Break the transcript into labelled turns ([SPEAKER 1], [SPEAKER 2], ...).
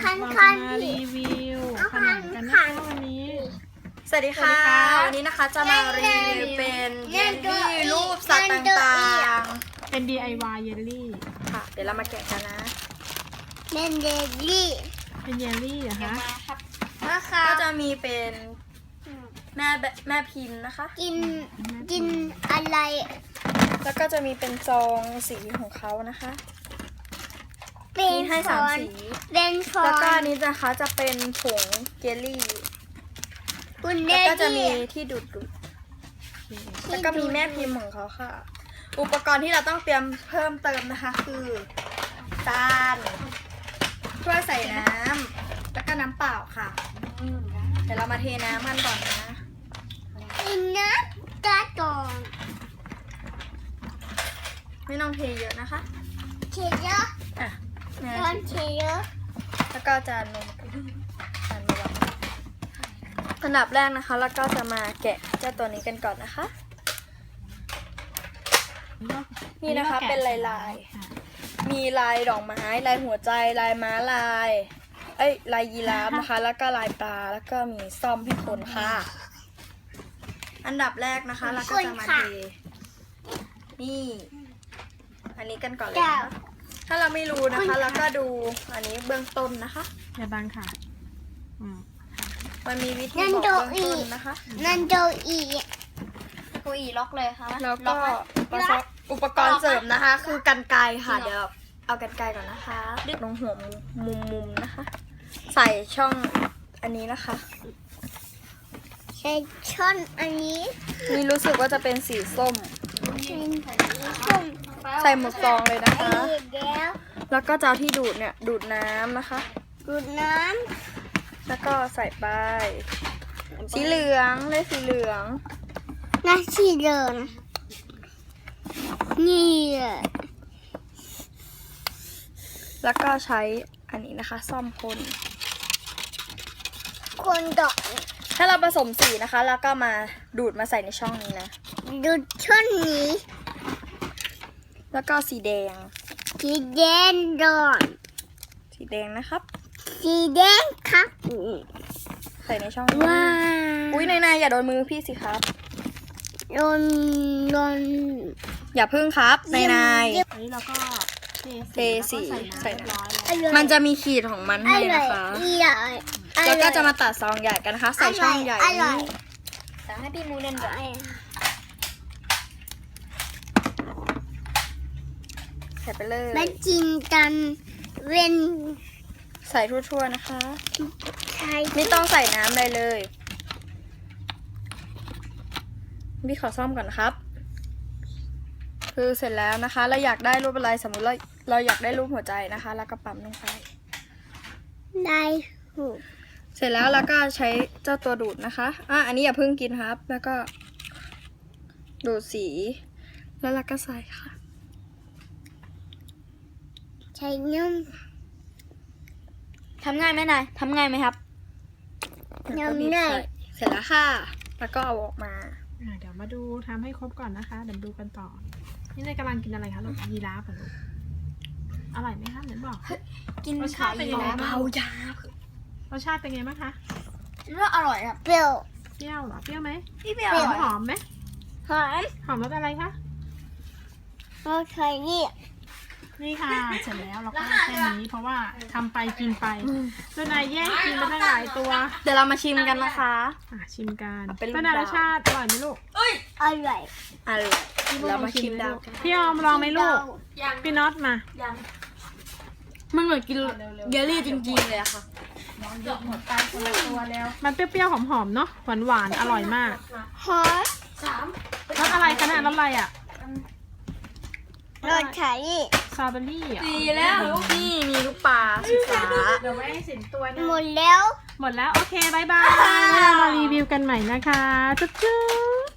[SPEAKER 1] เราจะมารีวิวขนมกันนะคะวันนี้
[SPEAKER 2] สวัสดีค่ะวันนี้นะคะจะมารีวิวเป็นเยลลี่รูปสัตว์ต่างๆ
[SPEAKER 1] เป็น DIY เยลลี่
[SPEAKER 2] ค่ะเดี๋ยวเรามาแกะกันนะ
[SPEAKER 3] เป็นเยลลี่
[SPEAKER 1] เป็นเยลลี่เหรอคะ
[SPEAKER 2] ก็จะมีเป็นแม่พิมพ์นะคะ
[SPEAKER 3] กินอะไร
[SPEAKER 2] แล้วก็จะมีเป็นซองสีของเขานะคะ
[SPEAKER 3] เป็น
[SPEAKER 2] มีให้
[SPEAKER 3] ฟ
[SPEAKER 2] 3
[SPEAKER 3] อน
[SPEAKER 2] สี
[SPEAKER 3] เป็นฟอ
[SPEAKER 2] แล้วก็
[SPEAKER 3] น
[SPEAKER 2] อันนี้นะคะจะเป็นผงเยลลี่
[SPEAKER 3] คุณเย
[SPEAKER 2] แล้ว
[SPEAKER 3] ล
[SPEAKER 2] ก็จะมี
[SPEAKER 3] ลี่
[SPEAKER 2] ที่ดูดแล้วก็มีแม่พิมพ์ของเขาค่ะ อุปกรณ์ที่เราต้องเตรียมเพิ่มเติมนะคะ คือจานถ้วยใส่น้ำแล้วก็น้ำเปล่าค่ะเดี๋ยวเรามาเทน้ำกันก่อนนะ
[SPEAKER 3] กินนะกระตอง
[SPEAKER 2] ไม่ต้องเทเยอะนะคะ
[SPEAKER 3] เชเยอะ
[SPEAKER 2] อ่ะแม่
[SPEAKER 3] ร้อนเชเยอะ
[SPEAKER 2] แล้วก็จานนมจานมาวางอันดับแรกนะคะ แล้วก็จะมาแกะเจ้าตัวนี้กันก่อนนะคะ นี่นะคะเป็นลายๆ มีลายดอกไม้ลายหัวใจลายม้าลายลายยีราฟนะคะ แล้วก็ลายปลาแล้วก็มีซ่อมให้คนค่ะ อันดับแรกนะคะเราก็จะมาเทนี่ อันนี้กันก่อนเลยนะคะถ้าเราไม่รู้นะคะเราก็ดูอันนี้เบื้องต้นนะคะ
[SPEAKER 1] อย่าบังค่ะ
[SPEAKER 2] มันมีวิธีบอกเบื้องต้นนะคะ
[SPEAKER 3] นันโดอี
[SPEAKER 2] คุยล็อกเลยค่ะแล้วก็อุปกรณ์เสริมนะคะ คือกรรไกรค่ะเดี๋ยวเอากรรไกรก่อนนะคะดึกลงหัวมุมนะคะ ใส่ช่องอันนี้นะคะ
[SPEAKER 3] ใช้ช้อนอันนี้
[SPEAKER 2] นี่รู้สึกว่าจะเป็นสีส้ม
[SPEAKER 3] ส้ม
[SPEAKER 2] ใส่หมดซองเลยนะคะ
[SPEAKER 3] แล้ว
[SPEAKER 2] แล้วก็จะเอาที่ดูดเนี่ยดูดน้ำนะคะ
[SPEAKER 3] ดูดน้
[SPEAKER 2] แล้วก็ใส่ไปสีเหลืองเลยสีเหลือง
[SPEAKER 3] ำน้ำสีเหลืองนี่
[SPEAKER 2] แล้วก็ใช้อันนี้นะคะ ซ่อมคน
[SPEAKER 3] คนดอก
[SPEAKER 2] ถ้าเราผสมสีนะคะ แล้วก็มาดูดมาใส่ในช่องนี้นะ
[SPEAKER 3] ดูดช้อนนี้
[SPEAKER 2] แล้วก็สีแดง
[SPEAKER 3] สีแดงดอน
[SPEAKER 2] สีแดงนะครับ
[SPEAKER 3] สีแดงครับ
[SPEAKER 2] ใส่ในช่องนี้
[SPEAKER 3] ว้า
[SPEAKER 2] อุ้ยนายอย่าโดนมือพี่สิครับ
[SPEAKER 3] โดน
[SPEAKER 2] อย่าพึ่งครับนาย
[SPEAKER 1] อันนี้เราก็เท
[SPEAKER 2] สี
[SPEAKER 1] ใส่น้ำเรียบร้อยแล้ว
[SPEAKER 3] อร่อย
[SPEAKER 2] มันจะมีขีดของมัน
[SPEAKER 3] อ
[SPEAKER 2] ให้
[SPEAKER 3] ร่อ
[SPEAKER 2] นะ
[SPEAKER 3] ย
[SPEAKER 2] คะ
[SPEAKER 3] อร่อย
[SPEAKER 2] แล้วก็จะมาตัดซองใหญ่กันนะคะ ใส่ช่องใหญ่
[SPEAKER 3] อร่อย
[SPEAKER 2] นี้แต่ให้พี่มูเล่นก่อนใส่ไปเลย
[SPEAKER 3] มาจินกันเว้น
[SPEAKER 2] ใส่ทั่วๆนะคะ
[SPEAKER 3] ใช้
[SPEAKER 2] ไม่ต้องใส่น้ำอะไรเลยพี่ขอซ่อมก่อนนะครับ คือเสร็จแล้วนะคะ เราอยากได้รูปอะไรสมมุติเราอยากได้รูปหัวใจนะคะ แล้วก็ปั๊มลงไป
[SPEAKER 3] ได้หู
[SPEAKER 2] เสร็จแล้วเราก็ใช้เจ้าตัวดูดนะคะอันนี้อย่าเพิ่งกินครับ แล้วก็ดูดสีแล้วเราก็ใส่ค่ะ
[SPEAKER 3] ใช้นุ่ม
[SPEAKER 2] ทำง่ายไหมนายทำง่ายไหมครับ
[SPEAKER 3] น้ำหน่อย
[SPEAKER 2] เสร็จแล้วค่ะ แล้วก็เอาออกมา
[SPEAKER 1] เดี๋ยวมาดูทำให้ครบก่อนนะคะเดี๋ยวดูกันต่อ นี่นายกำลังกินอะไรคะลูกยีราฟเหรอลูกอร่อยไหมคะเหมือนบอก
[SPEAKER 2] กิน
[SPEAKER 1] รสชาติเป็นยังไงบ้าง
[SPEAKER 2] เบายาร
[SPEAKER 1] สชาติเป็นไงบ้างคะ
[SPEAKER 2] ว่าอร่อยครับ
[SPEAKER 3] เปรี้ยว
[SPEAKER 1] เปรี้ยวเหรอเปรี้ยวไหม
[SPEAKER 2] พี่เปียว
[SPEAKER 1] หอมไหม
[SPEAKER 3] หอม
[SPEAKER 1] หอมรสอะไรคะ
[SPEAKER 3] เราใช้นี่
[SPEAKER 1] นี่ค่ะเสร็จแล้วเราก็แค่นี้เพราะว่าทำไปกินไปตัวนายแย่งกินไปตั้งหลายตัว
[SPEAKER 2] เดี๋ยวเรามาชิมกันนะคะ
[SPEAKER 1] ชิมกัน
[SPEAKER 2] เป็นลูก
[SPEAKER 1] ตัวนาย
[SPEAKER 2] ดาว
[SPEAKER 1] รสชาติอร่อยไหมลูก
[SPEAKER 3] อร่อย
[SPEAKER 2] อร่อยเรามาชิมดาวกัน
[SPEAKER 1] พี่ออมลองไหมลูกพี่น็อตมา
[SPEAKER 2] มันเหมือนกินเยลลี่จริงๆเลยอะค่ะ
[SPEAKER 1] มันเปรี้ยวๆหอมๆเนาะหวานๆอร่อยมาก
[SPEAKER 3] หอม
[SPEAKER 1] รสอะไรคะเนี่ยรสอะไรอ่ะ
[SPEAKER 3] เราใช้นี่
[SPEAKER 1] สตรอเบอรี่อ่ะ
[SPEAKER 2] ดีแล้วนี่มีลูกปลาสีฟ้า
[SPEAKER 1] เดี๋ยวไว้ให้สินตัวนะ
[SPEAKER 3] หมดแล้ว
[SPEAKER 1] หมดแล้วโอเคบายบายเรามารีวิวกันใหม่นะคะจุ๊บ